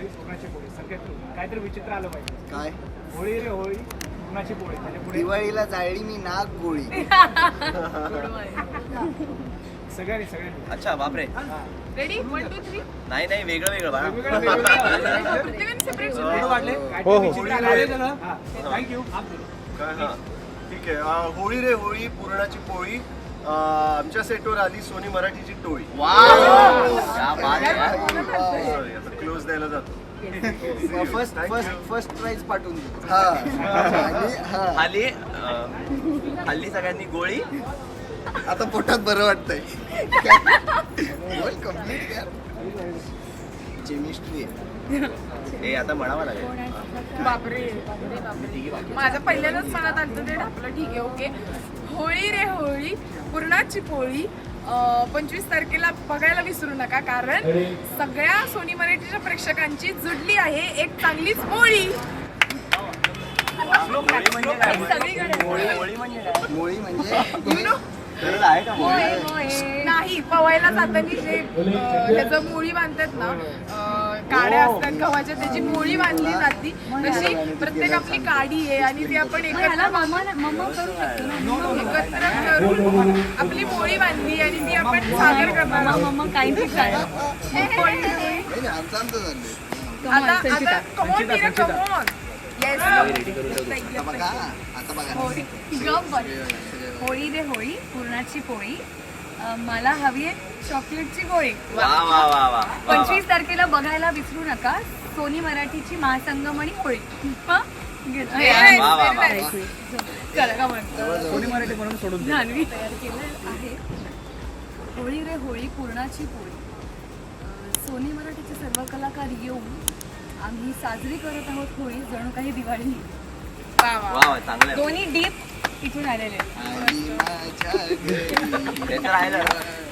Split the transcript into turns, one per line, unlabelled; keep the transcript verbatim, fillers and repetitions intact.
होळी पुरणाची पोळी सगळ्यात काहीतरी विचित्र आलं पाहिजे.
काय
होळी रे होळी पुरणाची पोळी म्हणजे पुढे
दिवाळीला जाळली मी नाग गोळी.
सगळ्यांनी सगळ्यांनी.
अच्छा बापरे.
Ready one two three.
नाही नाही वेगळं वेगळं बाळा.
प्रत्येकाने सेपरेट
फोटो वाटले
हो,
काहीतरी
हो.
विचित्र आलं पाहिजे ना. हा, थँक्यू.
काय हा ठीक आहे. अं, होळी रे होळी पुरणाची पोळी. अं, आमच्या सेटवर आली सोनी मराठीची टोळी.
वाव क्या बात आहे यार.
सॉरी आता क्लोज द्यायला जातो.
फर्स्ट फर्स्ट फर्स्ट प्राइज पाठवून दे. हा आणि हा
हल्ली अं, हल्ली सगळ्यांनी गोळी.
आता पोटात बरं वाटतंय. कम्प्लीट केमिस्ट्री
हे आता म्हणावं लागेल.
बापरे बापरे बापरे. माझं पहिल्यांदाच मनात आलं ते आपलं ठीक आहे ओके. होळी रे होळी पुरणाची पोळी पंचवीस तारखेला बघायला विसरू नका कारण सगळ्या सोनी मराठीच्या प्रेक्षकांची जुडली आहे एक चांगलीच पोळी. सगळीकडे
होळी म्हणजे काय?
मोळी म्हणजे
खरंच आहे का
होय,
होळी?
होय. नाही पवायला जाताना जे अं, त्याचं मुळी बांधतात ना अं, काड्या असतात गव्हाच्या त्याची मुळी बांधली जाती तशी प्रत्येक आपली काडी आहे आणि ती आपण एकत्र एकत्र करून आपली मोळी बांधली आणि ती आपण सादर करणार आहोत.
नाही, नाही, आमचं आमचं झालं.
आता आता कमॉन मीरा कमॉन येस
आता बघा आता बघा
होळी रे होळी पुरणाची पोळी अं, मला हवी आहे चॉकलेटची गोळी.
वा वा वा वा वा.
पंचवीस तारखेला बघायला विसरू नका सोनी मराठीची महासंगमणी होळी. हं? घेतलं.
Yes,
वा, वा,
very
वा.
nice.
चला का म्हणतो
कोणी मराठी म्हणून सोडून दे.
जान्हवी तयार केलं आहे होळी रे होळी पुरणाची पोळी. अं, सोनी मराठीचे सर्व कलाकार येऊन आम्ही साजरी करत आहोत होळी जणू काही दिवाळी.
वा वा
वा वा चांगलं आहे.
दोन्ही डीप इथून आलेले आहेत.
आणि माझ्या घरी
ते तर आहे ना.